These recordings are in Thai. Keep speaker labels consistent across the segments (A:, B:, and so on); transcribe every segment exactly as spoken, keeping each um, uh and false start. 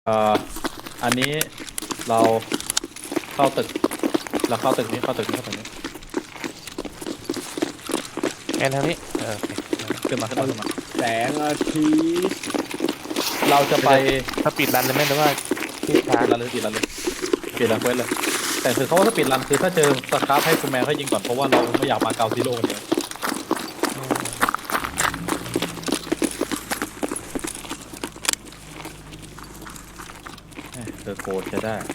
A: เอ่ออันนี้เราเข้าตึกเราเข้าตึกนี้เข้าตึกนี้เข้าตึกนี้
B: แอนทางนี้เออโอเค
A: ขึ้นมาขึ้นมาขึ้นมา
C: แสงอาทิตย์
A: เราจะไป
B: ถ้าปิดรันเลยไหมหรือว่าที่ช้า
A: ปิดรันเลยปิดรันเลยปิดรันเควสเลยแต่คือเขาว่าถ้าปิดรันคือถ้าเจอสคราฟให้คุณแมวให้ยิงก่อนเพราะว่าเราไม่อยากมาเกาซิโร่กันเลยเธอโกรธจะได้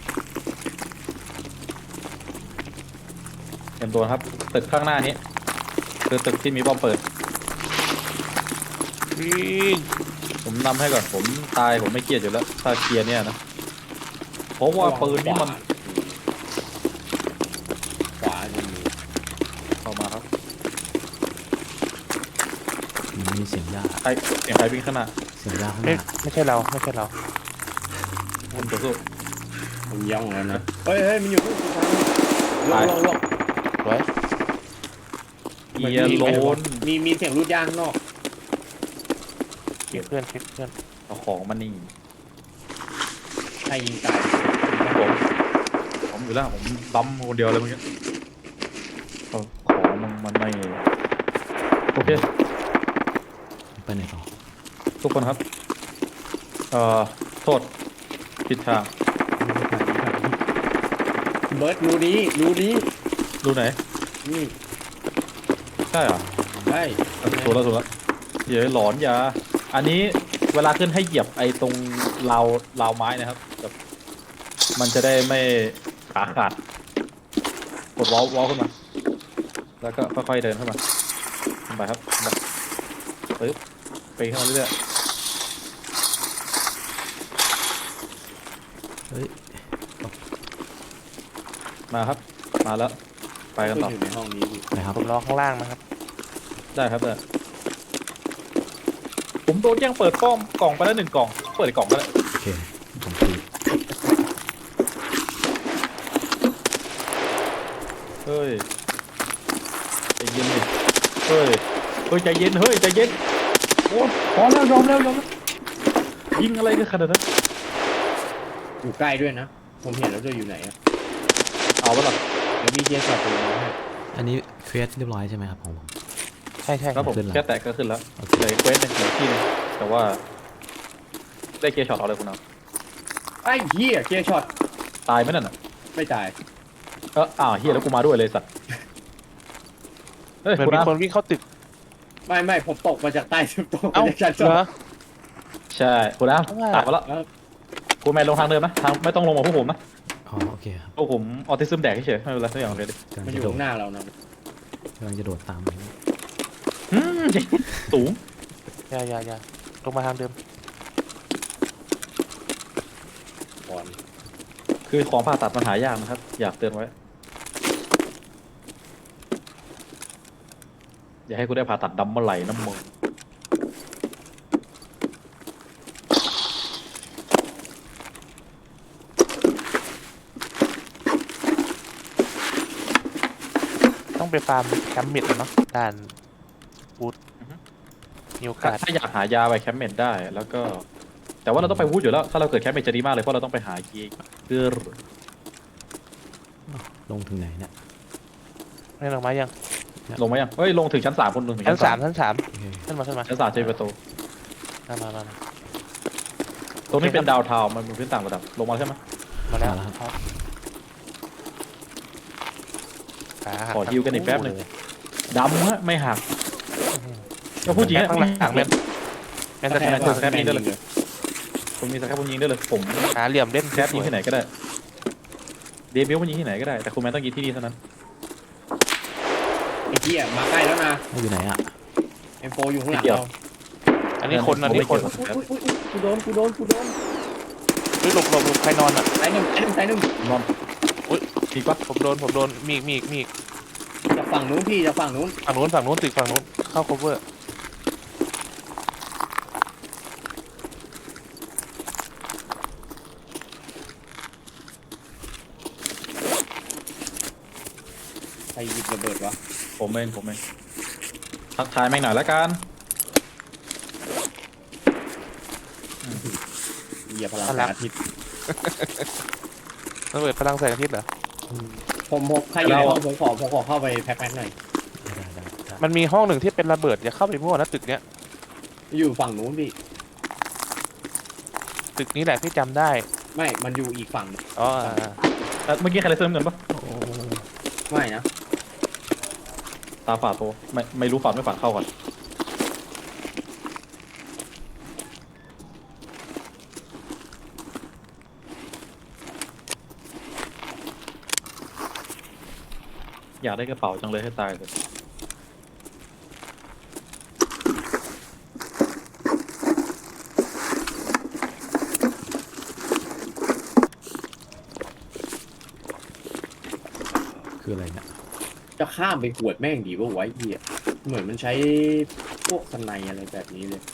A: เตรียมตัวครับตึกข้างหน้านี้คือตึกที่มีบอมเปิด
B: วิ่ง
A: ผมนำให้ก่อนผมตายผมไม่เกลียดอยู่แล้วถ้าเคลียร์เนี่ยนะเพราะว่าปืนนี่มัน
C: ขวาจะมี
A: เข้ามาครับ
D: มันมีเสียงยา
A: ใครเสียงใครวิ่งข้างหน้า
D: เสียงยาข้างห
B: ไม่
D: น้า
B: ไม่ใช่เราไม่ใช่เรา
A: คุณตัวสู้
C: ผมย่องแล้วนะเฮ้ยเฮ้ยมันอยู่ข้างทางลงลงลง
B: สวย
A: เอียโลน
C: มีมีเสียงรูดยางข้างนอก
B: เก็บเพื่อนเก็บเพื่อน
A: เอาของมานี่
C: ใครยิงตาย
A: ผมผมอยู่แล้วผมบัมคนเดียวเลยเมื่อกี้เอาของมึงมันไม่โอเค
D: ไปไหนต่อ
A: ทุกคนครับเอ่อโทษผิดทาง
C: เบิร์ดรูนี้รูนี้
A: ดูไหน
C: นี่
A: ใช่เหรอ
C: ใช่
A: เอาถูกแล้วถูกแล้วเดี๋ยวหลอนยาอันนี้เวลาขึ้นให้เหยียบไอ้ตรงราวราวไม้นะครับแบบมันจะได้ไม่ขาขาดกดวอลวอลขึ้นมาแล้วก็ค่อยๆเดินเข้ามาขึ้นไปครับขึ้นไปปึ๊บไปขึ้นมาเรื่อย
D: เฮ้ย
A: ๆมาครับมาแล้วไปกันต่อ
C: อยู่ในห้องนี้ดิ
D: ไหนครับ
B: ผมรอข้างล่างนะครับ
A: ได้ครับได้ผมโดนแย่งเปิดกล้องกล่องไปแล้วหนึ่งกล่องเปิดอีกกล่องก็ได้
D: โอเคผมคุย
A: เฮ้ยใจเย็นดิเฮ้ยเฮ้ยใจเย็นเฮ้ยใจเย็นโอ้พอแล้วยอมแล้วยอมแล้วยิงอะไรกันขนาดนั้น
C: อยู่ใกล้ด้วยนะ ผมเห็นแล้วจะอยู่ไหนอะ
A: เอาวะล่ะ
C: เดี๋ยวมีเจสับตัวนี้ให้
D: อันนี้เควสเรียบร้อยใช่ไหมครับของผม
B: ใช่ใช่
A: ครับผม
D: ขึ้นแล้ว
A: แค่แตะก็ขึ้นแล้ว
D: โอเค
A: เลยเควสหนึ่งเหลือที่หนึงแต่ว่าได้เกียร์ช็อตเอาเลยคุณเอา
C: ไอ้เหี้ยเจช็อต
A: ตายไหมนั่นน่ะ
C: ไม่ตาย
A: เอออ้าวเฮียแล้วกูมาด้วยเลยสัตว์เฮ้ย
B: เหมือน
A: คุณ
B: มี
A: เอา
B: คนวิ่งเข้าตึก
C: ไม่ไม่ผมตกมาจากใต้สุดตก
B: เอ้า
C: มาจากชั้นส
B: เห
C: อ
B: รง อ
A: ใช่คุณเอา
B: ว่า
A: ตายมาแล้ว
C: แล้ว
A: คุณแมนลงทางเดิมนะทางไม่ต้องลงมาพวกผมนะ
D: อ๋อโอเคครับ
A: พวกผมออทิซึมแดกเฉยๆไม่เป็นไรทุกอย่างโอเคดิ
D: กำลัง
C: มันอ
D: จะ
C: ยู่
D: โดด
C: ข้างหน้าเรานะ
D: กำลังจะโดดตามไป
A: อืมสูง
B: อย่าอย่าอย่าลงมาทางเดิม
C: ก่อน
A: คือของผ่าตัดมันหายากนะครับ อยากเตือนไว้ อย่าให้กูได้ผ่าตัดดำเมื่อไหร่น้ำมึง
B: ต้องไปฟาร์มแคมป์มิดแล้วเนาะด่านบูธมีโอกาส
A: ถ้าอยากหายาไปแคมป์เมดได้ แล้วก็ แต่ว่าเราต้องไปวูดอยู่แล้ว ถ้าเราเกิดแคมป์เมดจะดีมากเลย เพราะเราต้องไปหากีเกอร์
D: ลงถึงไหนเนี่ย
B: ไม่ลงมายัง
A: ลงมายังเฮ้ย ลงถึงชั้นสามคนหนึ่งถึง
B: ชั้นสามชั้นสาม
D: โอเค
B: ขึ้นมาขึ้นมา
A: ชั้นสามจะมีประตู
B: มามามามา
A: ตรงนี้เป็นดาวเทาวน์มันเป็นพื้นต่างระดับ ลงมาใช่ไหม
B: มาแล้ว
D: มาแล้วครับ
B: ขาหั
A: ขอฮิวกันอีกแป๊บหนึ่ง ดำฮะไม่หัก ก็พูดจริง
B: แค่
A: ฮะ
B: ข้างหลังแมนแมน
C: แต่
B: สแกน
A: แคปนี้ได้เลย ผมมีสแคปผมยิงได้เลย ผม
B: หาเหลี่ยมเล่น
A: แคปยิงที่ไหนก็ได้ เดบิวต์มันยิงที่ไหนก็ได้ แต่คุณแมนต้องยิงที่นี่เท่านั้น
C: ไอ้เหี้ยมาใกล้แล้วนะ
D: เอาอยู่ไหนอ่ะ
C: เอ็มโฟอยู่ข้างหลัง
A: เดี๋ยว
C: เรา
B: อันนี้คนอันนี้คน
C: อุ๊ยอุ๊ยอุ๊ยอุ๊ยกูโดนกูโดนกูโดน
B: เฮ้ยหลบหลบหลบใครนอนอ่ะ
C: สายหนึ่งสายหนึ่งสายหนึ่ง
A: นอน
B: อุ๊ย
A: อีกปะ
B: ผมโดนผมโดนมีอีกมีอีกมีอีก
C: จากฝั่งนู้นพี่จากฝั่งนู้น
B: ฝั่งนู้นฝั่งนู้นตึกฝั่งนู้นเข้า cover
C: ใครหยิบระเบิดวะ
A: ผมเองผมเองทักทายแม่งหน่อยละกัน
C: เหยียบยพลัง
B: พ
C: แส
B: ลั
C: ง
B: ง
C: อาทิตย์
B: ระเบิดพลังแสงอาทิตย์เหรอ
C: ผมผมใครอยู่ในห้องผมขอผมขอเข้าไปแพ็คแม็กหน่อย
D: ได้ได้ได้
B: มันมีห้องหนึ่งที่เป็นระเบิดอย่าเข้าไปมั่วนะตึกเนี้ย
C: อยู่ฝั่งนู้นพี่
B: ตึกนี้แหละที่จำได้
C: ไม่มันอยู่อีกฝั่งหนึ่ง
B: อ๋ออ่า
A: เอ่อเมื่อกี้ใครเลยเสริมเงินปะ
D: โอ้
C: ไม่นะ
A: ตาฝาดโตไม่ไม่รู้ฝาดไม่ฝาดเข้าก่อนอยากได้กระเป๋าจังเลยให้ตายเลย
D: คืออะไรเนี่ย
C: จะข้ามไปขวดแม่งดีป่ะวะไอ้เหี้ยเหมือนมันใช้พวกสไนอะไรแบบนี้เลย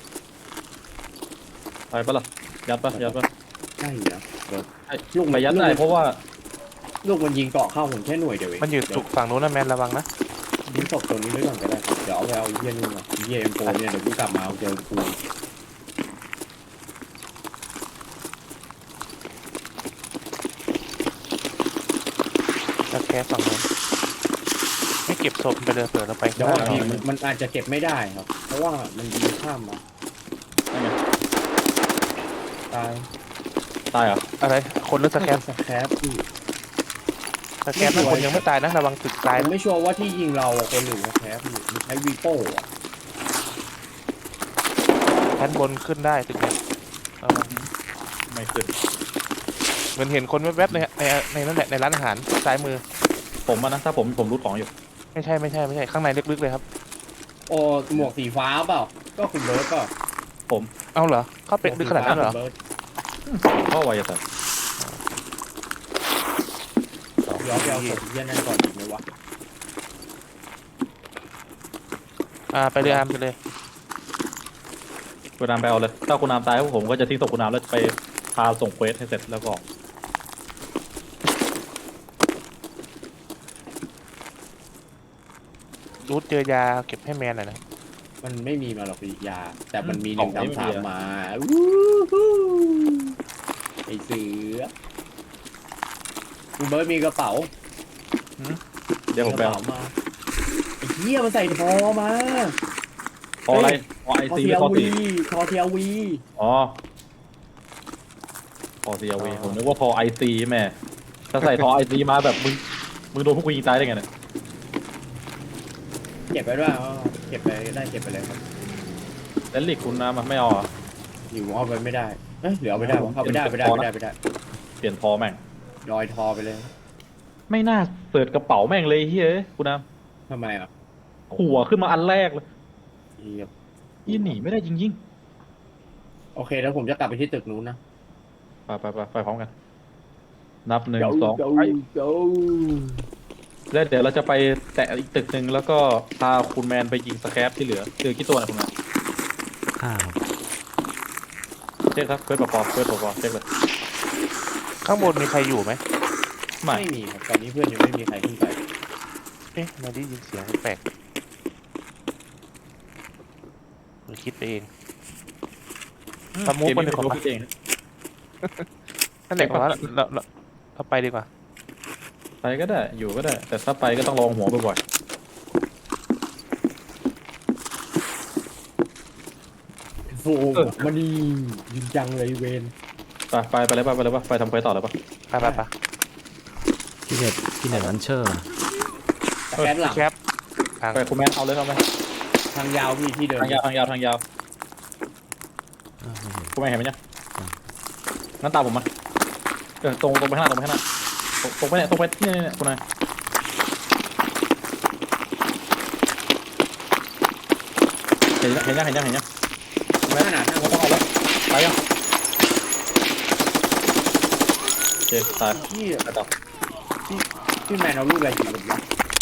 A: ไปปะล่ะยัดปะยัดปะ
C: ใช่นะเดี๋ยว
A: ไอ้
C: ลูก
A: ไป
C: มัน
A: ยัด
C: ลูก
A: ได้
C: มัน
A: เพราะว่า
C: ลูกมันยิงเกาะเข้าผมแค่หน่วยเดียวเอง
B: มันอยู่
C: เดี๋
B: ตุ
C: ว
B: กฝั่งนู้นนะแมนระวังนะ
C: ยิงศพตัวนี้ไว้ก่อนก็ได้ครับเดี๋ยวเอาไปเอาไอ้เหี้ยนู่นก่อนไอ้เหี้ยเอ็มโฟเนี่ยเดี๋ยวกูกลับมาเอาเจอกู
B: จะแค่ฝั่งนู้นไม่เก็บศพไปเลยเผื่อเราไป
C: เดี๋ยว
B: ข้างห
C: พี่
B: น้า
C: มันมันอาจจะเก็บไม่ได้ครับ เพราะว่ามันยิงข้ามมา
A: นั่นไง
C: ตาย
A: ตายเหรอ
B: อะไร คนหรือสแกน
C: สแครปพี่
B: สแกนนั่นคนยังไม่ตายนะระวังตึกตาย
C: ผม
B: นะ
C: ไม่ชัวร์ว่าที่ยิงเราอะคนหรือสแครปพี่มันใช้วีโป้อะ
B: ชั้นบนขึ้นได้ตึกเนี้ยระวัง
A: ไม่ขึ้น
B: เหมือนเห็นคนแวบๆในในในนั่นแหละในร้านอาหารซ้ายมือ
A: ผมอะนะถ้าผมผมรูดของอยู่
B: ไม่ใช่ไม่ใช่ไม่ใช่ข้างในลึกๆเลยครับ
C: โอ้หมวกสีฟ้าเปล่าก็คุณเบิร์ดเปล่า
A: ผม
B: เอาเหรอเข้าไปลึกขนาดนั้นเหรอ
C: คุณบิร์ด
A: เข้าไวแต่
C: เดี๋ยวไปเอาศพเยี่ยนั่นก่อนดีไหมวะ
B: อ่าไปเลยอามไปเลย
A: คุณนามไปเอาเลยถ้าคุณนามตายผมก็จะทิ้งศพคุณนามแล้วไปพาส่งเควสให้เสร็จแล้วก็
B: รูทเจอยาเก็บให้แมนหน่อยนะ
C: มันไม่มีมาหรอกพี่ยา แต่มันมีหนึ่งสามสามมาวู้ฮู้ไอเสือคุณเบิร์ดมีกระเป๋า
A: เดี๋ยวผม
C: ก
A: ไป
C: ระ
A: เอา
C: เป๋ามาไอ้เหี้ยมันใส่ทอมา
A: พออะไรพอไอ
C: ทอ
A: ซี
C: เที
A: หรื
C: ย
A: อพอ
C: วี
A: สี
C: ทอเทียวี
A: อ๋อพอซีเอาวีผมนึกว่าพอไอซีแม่ถ้าใส่ทอไอซีมาแบบมึงมึงโดนพวกกูยิงตายได้ไงเนี่ย
C: เก็บไปด้วยอ๋อเก็บไปได้เก็บไปเลยครับ
A: แล้วลิกคุณน้ำมันไม่เอาเหรอ
C: อยู่เอาไปไม่ได้เอ้ยเหลือเอาไปได้วะเอาไปได้ไปได้ไปได้ไปได้
A: เปลี่ยนทอแม่ง
C: ดอยทอไปเลย
A: ไม่น่าเปิดกระเป๋าแม่งเลยเฮ้ยคุณน้
C: ทำไมอ่ะ
A: ำหัวขึ้นมาอันแรกเลย
C: เหี้ย
A: ยี่หนีไม่ได้จริง
C: โอเคแล้วผมจะกลับไปที่ตึกนู้นนะ
A: ๆไปไปไปไปพร้อมกัน นับหนึ่ง
C: เดี๋ยว
A: สอง
C: เดี๋ยว
A: ไป
C: เดี๋ยว
A: แล้วเดี๋ยวเราจะไปแตะอีกตึกหนึ่งแล้วก็พาคุณแมนไปยิงสแครปที่เหลือเหลือกี่ตัวนะคุณแมน
D: ห้าครับ
A: เช็คครับเพื่อนประกอบเพื่อนประกอบเช็คเลย
B: ข้างบนมีใครอยู่ไหม
A: ไม่
C: ไม่มีครับตอนนี้เพื่อนยังไม่มีใครขึ้นไป
B: เอ๊ะไม่ได้ยินเสียงแปลกหรือคิดไปเอง สมูท
A: เกม
B: มัน
A: นี้
B: ดีกว่า
A: ผมคิดเอง
B: นั่นแหละว่าเราเราเราไปดีกว่า
A: ไปก็ได้อยู่ก็ได้ แต่ถ้าไปก็ต้องลองหัวบ่อย
C: โฟมันนี่ยิงจังเลยเวน
A: ๆไปไปไปเลยป่ะไปเลยป่ะไปทำเควสต่อเลยป่ะ
B: ไปไปไป
D: พี่เน็ตพี่เน็ตลันเชอร์นะ
C: แต่แคปหลัง
B: แคปอ่าง
A: ไปคุณแมนเอาเลยเอาไหม
C: ทางยาวพี่ที่เดิน
A: ทางยาวทางยาวทางยาว
D: อ้าวไม่เห็น
A: คุณแมนเห็นไหมเนี่ย
D: อ่า
A: งั้นตามผมมาเออตรงตรงไปข้างหน้าตรงไปข้างหน้าตรงตรงไปเนี่ยตรงไปเนี่ยเนี่ยเนี่ยคุณนายเห็นยังเห็นยังเห็นยังเห็นยัง
C: ขนาดนั้น
A: ไม่ต้องเอาแล้วไปยังโอเคตาย
C: ที่
A: ไปต่อ
C: ที่แมนเอาลูกอะไรอยู่หรือเปล่า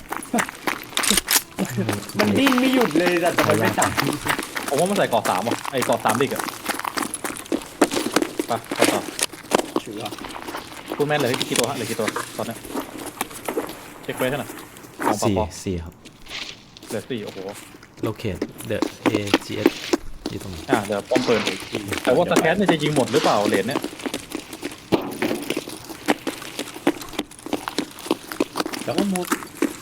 C: มันดิ้นไม่หยุดเลยแต่ทำไมไม่ตาย
A: ผมว่ามันใส่เกาะสามอ่ะไอ้เกาะสามดิกอ่ะไปไปต่อ
C: ชัวร์
A: คุณแม่นเหลือกี่ตัวฮะเหลือกี่ตัวตอนนี้เช็คเควสให้หน่อยของปอ
D: สี่
A: ปอ
D: สี่ครับ
A: เหลือสี่โอ้โห
D: locate the A G S ที่ตรงนี้
A: อ่าเดี๋ยวป้อมเปิดอีกทีแต่ว่าสแคนเนี่ยจะยิงหมดหรือเปล่าเหรียญเนี่ย
C: แล้วก็มุด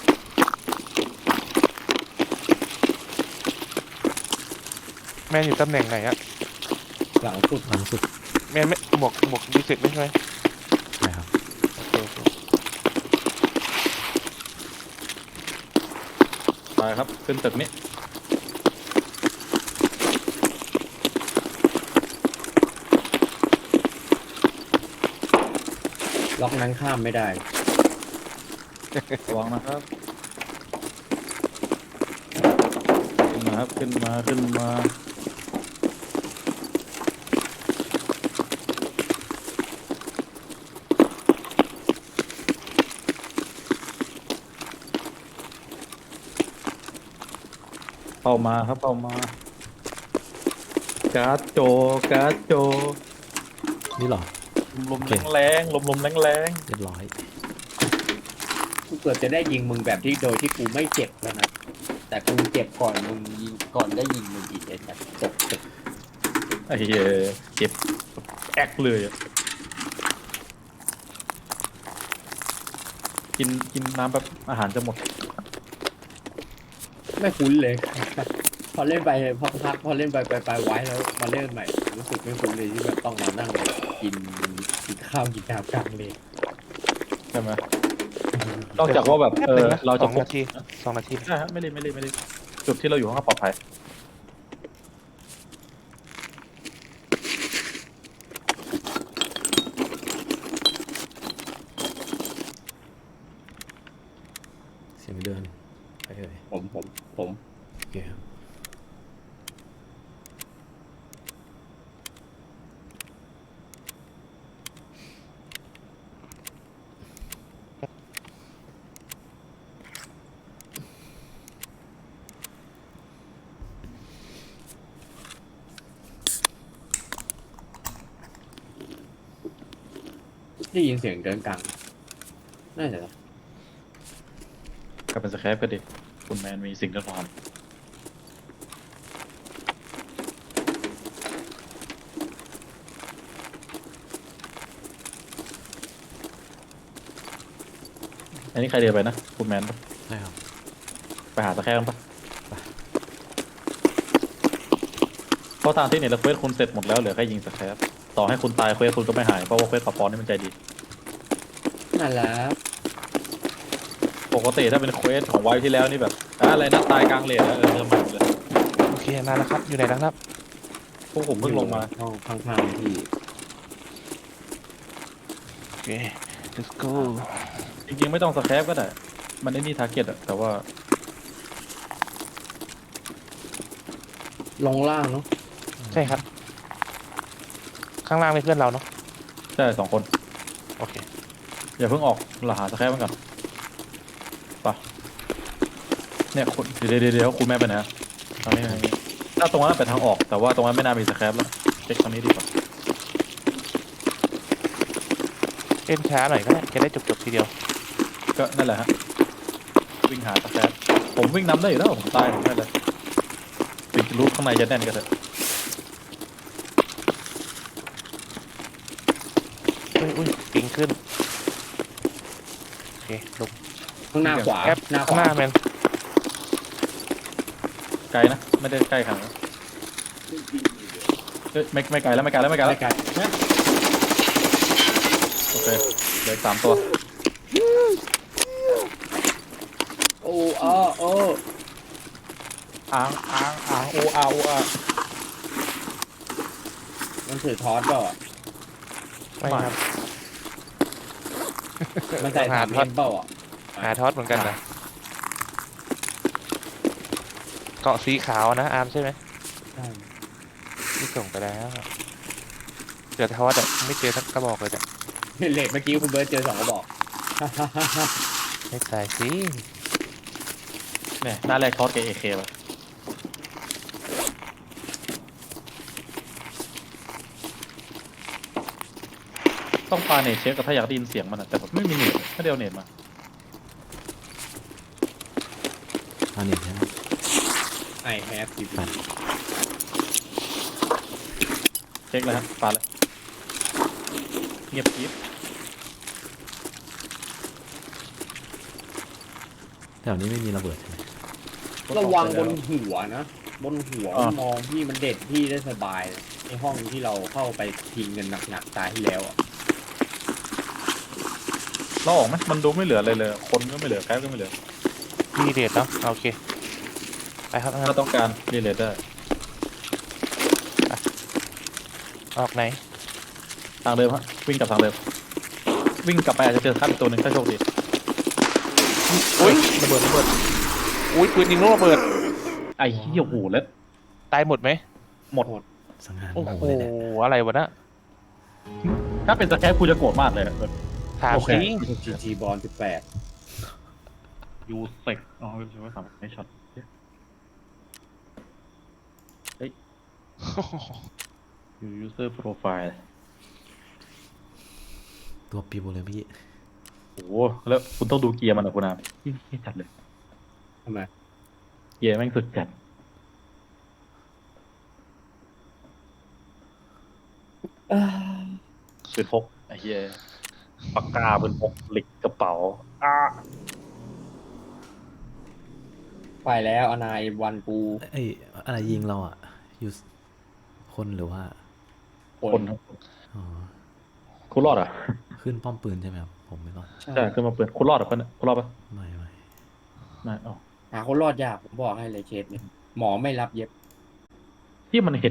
B: แมนอยู่ตำแหน่งไหนอะ
C: หลังสุด
D: หลังสุด
B: แมนไม่หมวกหมวกดีเซ็ตไม่ใช่ไหม
D: ใช่ครับ
B: โอเคโอเค
A: ไปครับขึ้นตึกนี้
C: ล็อกนั้นข้ามไม่ได้
A: ระวังนะครับ ขึ้นมาครับขึ้นมาขึ้นมาเข้ามาครับเข้ามาการ์ดโจการ์ดโจ
D: นี่เหรอ
A: ลม
D: โอเค
A: ๆแรงๆลมๆแรง
D: เรียบร้อย
C: กูเกิดจะได้ยิงมึงแบบที่โดยที่กูไม่เจ็บแล้วนะ แต่กูเจ็บก่อนมึงยิงก่อนได้ยิงมึงอีกไอ้สัตว์จบจบ
A: ๆไอ้เหี้ยเจ็บแอกเลยอะกินกินน้ำแบบอาหารจะหมด
C: ไม่คุ้นเลย พอเล่นไปพอพักพอเล่นไปไปไปไว้แล้วมาเล่นใหม่รู้สึกไม่คุ้นเลยที่แบบต้องมานั่งกินกินข้าวกินน้ำกลางเลย
A: ใช่ไหมนอกจากว่าแบบ
B: แป๊บ
A: เอ
B: นึ
A: อง
B: นะ
A: เรา
B: ส
A: จะ
B: อง
A: พก
B: นาทีสองนาที
A: ใช่ฮะไม่รีบไม่รีบไม่รีบจุดที่เราอยู่ข้างนอกปลอดภัย
D: เสียงเดินไปเลย
C: ผมผมผม
D: โอเคครับ
C: ได้ยินเสียงเดินกลางน่าจะ
A: กลับเป็นสแครปก็ดีคุณแมนมีสิ่งที่ทำอันนี้ใครเดินไปนะคุณแมนปะ
D: ใช่ครับ
A: ไปหาสแครปกันปะเพราะตามที่เนี่ยเราเควสคุณเสร็จหมดแล้วเหลือแค่ยิงสแครปต่อให้คุณตายเควสคุณก็ไม่หายเพราะว่าเควสปะปอนนี่มันใจดี
C: นั่นแหละ
A: ปกติถ้าเป็นเควสของไวท์ที่แล้วนี่แบบอ่ะอะไรนะตายกลางเลนแล้วเออเริ่มใหม่หมดเลย
B: โอเคมาแล้วครับอยู่ไหนแล้วครับ
A: พวกผมเพิ่งลงมา
C: ห้องข้างๆที่
B: โอเค let's go
A: จริงๆไม่ต้องสแครปก็ได้มันไอ้นี่ทาร์เก็ตอะแต่ว่า
C: ลงล่างเนาะ
B: ใช่ครับ ข้างล่างเป็นเพื่อนเราเนาะ
A: ใช่สองคน
B: โอเค
A: อย่าเพิ่งออกเราหาสแครปมันก่อนไปะเนี่ยคุณเดี๋ยวเดี๋ยวเดี๋ยวคุณแม่ไปไหนอะทางนี้ทางนี้ถ้าตรงนั้นเป็นทางออกแต่ว่าตรงนั้นไม่น่ามีสแครปแล้วเช็คทางนี้ดีกว่า
B: เล่นช้าหน่อยก็ได้จะได้จบจบๆทีเดียว
A: ก็นั่นแหละฮะวิ่งหาสแครปผมวิ่งนำได้อยู่แล้วผมตายผมไม่เลยปิดรูปข้างในจะแน่นก็เถอะ
B: อุ้ยอุ้ยปิงขึ้นโอเคลง
C: ข้างหน้าขวา
B: แอป
C: หน้าข
B: ข้างห
C: วา
B: น้าแมน
A: ไกลนะไม่ได้ใกล้ขนาดนั้นเอ้ยไม่ไม่ไกลแล้วไม่ไกลแล้วไม่ไกลแล้ว
C: ไกลๆนะ
A: โอเคเหลืออกสามตัว
C: โอ้อ้อโอ้
A: อ้างอ้างอ้างโออาโออา
C: มันถือทอสเปล่าอ่ะ
B: ไม่ครับ
C: มันใส่สาม
B: หาทอส
C: เอ็มเปล่าอ่ะ
B: หาทอสเหมือนกันนะเกาะสีขาวนะอาร์มใช่ไหม
C: ใช่
B: ที่ส่งไปแล้วเจอทอสอะไม่เจอสักกระบอกเลยเนี่ย
C: เลทเมื่อกี้คุณเบิร์ตเจอสองกระบอก
B: ไม่ใส่สิ
A: เนี่ยหน้าแรกทอดเอเคป่ะต้องปาเนตเช็คกับถ้าอยากได้ยินเสียงมันอะแต่แบบไม่มีเนตไม่ได้เอาเนตมา
D: อันนี้ใช่ไหม
C: ไอแฮปปี้
D: ไป
A: เช็คเลยครับปาเลยเงียบกริบ
D: แถวนี้ไม่มีระเบิดใช่ไหม
C: ระวังบนหัวนะบนหัว
A: อ่า
C: มันมองพี่มันเด็ดพี่ได้สบายนะในห้องที่เราเข้าไปทิ้งกันหนักๆตายที่แล้วอ่ะ
A: เราออกไหมมันดูไม่เหลืออะไรเลย คนก็ไม่เหลือแก๊สก็ไม่เหลือ
B: พี่เดทเนาะโอเคไปครับ
A: ถ้าต้องการรีเลทได้
B: ออกไหน
A: ทางเดิมฮะวิ่งกลับทางเดิมวิ่งกลับไปอาจจะเจอคัดตัวหนึ่งถ้าโชคดี
B: อุ้ย
A: ระเบิดระเบิด
B: อุ้ยปืนยิงลูกระเบิด
A: ไอ้เหี้ยโหูแล้ว
B: ตายหมดไหม
A: หมด
D: สังหาร
B: โอ้
D: ห
B: โห
D: มู่เลยแหละ
B: อะไรวะนะ
A: ถ้าเป็นสแคปกูจะโกรธมากเลยแบบ
B: ถาม
A: โอเค
B: จริง
C: จีจีบอลสิบแปด
A: ยูเซกอ๋อใช่ไหมสามไม่ช็อตยูยูเซอร์โปรไฟล์
D: ตัวปิวเลยพี่
A: โอ้โหแล้วคุณต้องดูเกียร์มันนะคุณอามที่ที่จัดเลย
C: ทำไม
A: เกียร์แม่งสุดจัดปืนพกไอ้เหี้ยปากกาปืนพกเหล็กกระเป๋าอ้า
C: ไปแล้วอนายวันกู
D: ไอ้ยอะไรยิงเราอ่ะยูสคนหรือว่า
C: ค
A: คน
C: น
A: ทั้ง
D: อ๋อ
A: คุณรอดอ่ะ
D: ขึ้นป้อมปืนใช่ไหมครับ ผมไม่รอด
A: ใช่ขึ้นมาปืนคุณรอดอ่ะเพื่อนคุณรอดปะ
D: ไม่ไม่
A: ไม่อ๋อ
C: หาคนรอดยากผมบอกให้เลยเคสเนี่ยหมอไม่รับเย็บ
A: ที่มันเห็น